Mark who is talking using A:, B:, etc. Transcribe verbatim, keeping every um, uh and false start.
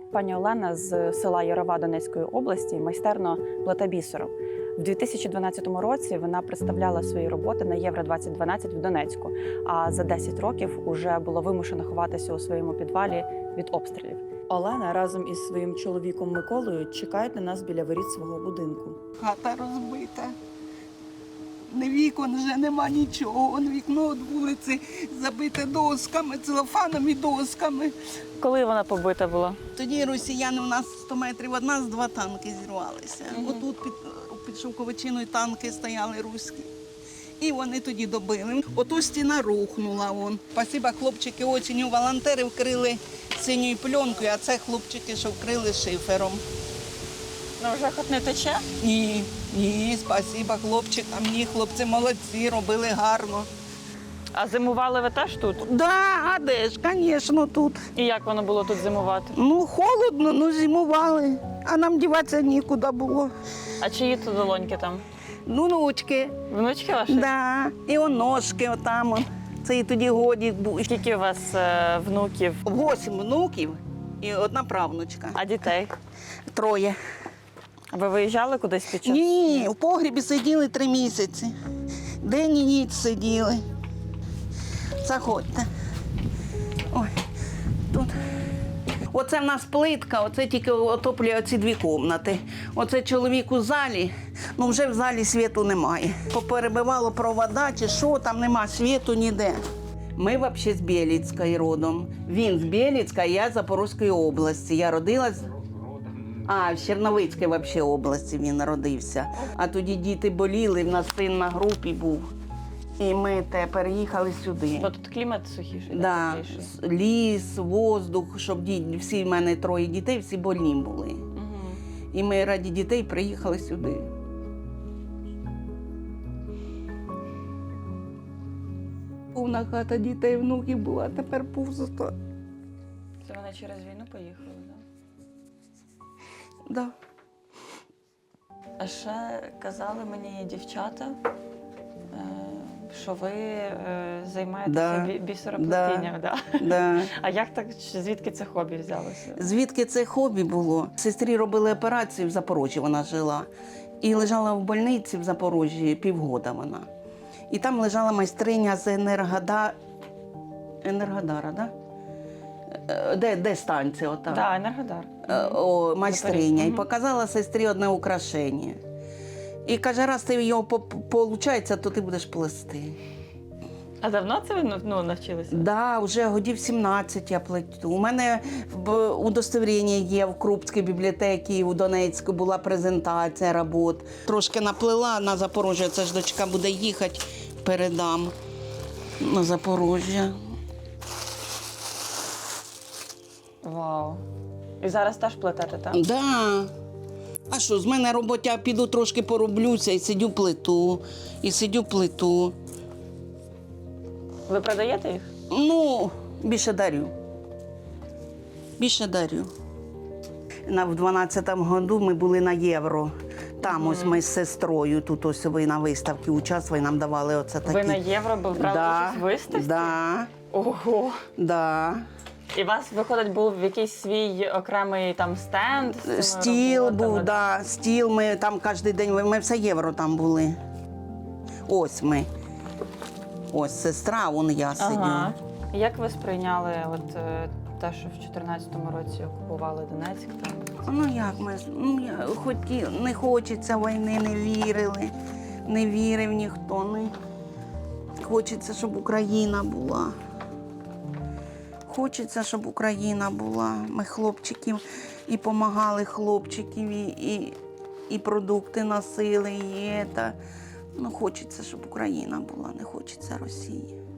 A: Пані Олена з села Ярова Донецької області майстерно плете бісером. В дві тисячі дванадцятому році вона представляла свої роботи на Євро двадцять дванадцять в Донецьку, а за десять років уже було вимушено ховатися у своєму підвалі від обстрілів. Олена разом із своїм чоловіком Миколою чекають на нас біля воріт свого будинку.
B: Хата розбита. Не вікон вже нема нічого. Вон вікно від вулиці забите досками, целофаном і досками.
A: Коли вона побита була?
B: Тоді росіяни у нас сто метрів від нас два танки зірвалися.
A: Мгм.
B: Отут під, під Шовковичиною танки стояли руські. І вони тоді добили. Ото стіна рухнула. Вон. Спасибо, хлопчики осінню волонтери вкрили синьою пленкою, а це хлопчики, що вкрили шифером.
A: Ну вже хоч не тече?
B: Ні, ні, спасибо хлопчикам. Ні, хлопці молодці, робили гарно.
A: А зимували ви теж тут?
B: Да, а де ж, звісно, тут.
A: І як воно було тут зимувати?
B: Ну, холодно, ну зимували, а нам діватися нікуди було.
A: А чиї тут долоньки там?
B: Ну, внучки,
A: Внучки ваші?
B: да, і оножки отам. Он. Це і тоді годік був.
A: Скільки у вас е, внуків,
B: Восім внуків і одна правнучка.
A: а дітей?
B: Троє.
A: Ви виїжджали кудись під час?
B: Ні, в погрібі сиділи три місяці. День і ніч сиділи. Заходьте. Ой, тут. Оце в нас плитка, оце тільки отоплює оці дві кімнати. Оце чоловік у залі, ну вже в залі світу немає. Поперебивало провода чи що, там нема світу ніде. Ми взагалі з Бєліцької родом. Він з Бєліцька, я з Запорізької області. Я родилась. А, в Черновицькій взагалі області він народився. А тоді діти боліли, в нас син на групі був. І ми те переїхали сюди.
A: Бо тут клімат сухіший.
B: Да,
A: тепліший.
B: с- ліс, воздух, щоб ді... всі в мене троє дітей, всі больні були.
A: Мгм.
B: І ми раді дітей приїхали сюди. Повна хата дітей, внуків була, а тепер пусто.
A: Це вони через війну поїхали, так?
B: Да.
A: А ще казали мені дівчата, е, що ви е, займаєтеся
B: Да.
A: бі- бісероплетінням. Да.
B: Да.
A: А як так, звідки це хобі взялося?
B: Звідки це хобі було? Сестрі робили операцію в Запоріжжі, вона жила. І лежала в больниці в Запоріжжі півгода вона. І там лежала майстриня з Енергода... Енергодара, да? Е, Де, де станція ота?
A: Так, да, Енергодар.
B: Е, О, майстриня. І
A: Мгм.
B: показала сестрі одне украшення. І каже, раз ти його получається, то ти будеш плести.
A: А давно це ви ну, навчилися?
B: Да, вже годів сімнадцять я плету. У мене в удостовірення є в Крупській бібліотеці у Донецьку була презентація робот. Трошки наплела на Запоріжжя, це ж дочка буде їхати, передам на Запоріжжя.
A: Вау. І зараз теж плетете, так?
B: Да. А що, з мене робота, піду трошки пороблюся і сидю плиту, і сидю плиту.
A: Ви продаєте їх?
B: Ну, більше дарю. Більше дарю. На, в дванадцятому году ми були на Євро. Там ось ми з сестрою, тут ось ви на виставці участвували, нам давали оце такі.
A: Ви на євро б- брали
B: Да,
A: участь в виставці?
B: да,
A: Ого!
B: да.
A: І у вас, виходить, був якийсь свій окремий там стенд? з цими
B: Стіл
A: роботами?
B: був, да, стіл, ми там кожен день, ми все Євро там були. Ось ми. Ось сестра, вон я сидю.
A: Ага. Як ви сприйняли от, е, те, що в чотирнадцятому році окупували Донецьк? Там?
B: Ну як ми, ну я хоті, не хочеться війни, не вірили, не вірив ніхто. Не. Хочеться, щоб Україна була. Хочеться, щоб Україна була. Ми хлопчиків і допомагали хлопчиків, і, і, і продукти носили, і це. Ну, хочеться, щоб Україна була, не хочеться Росії.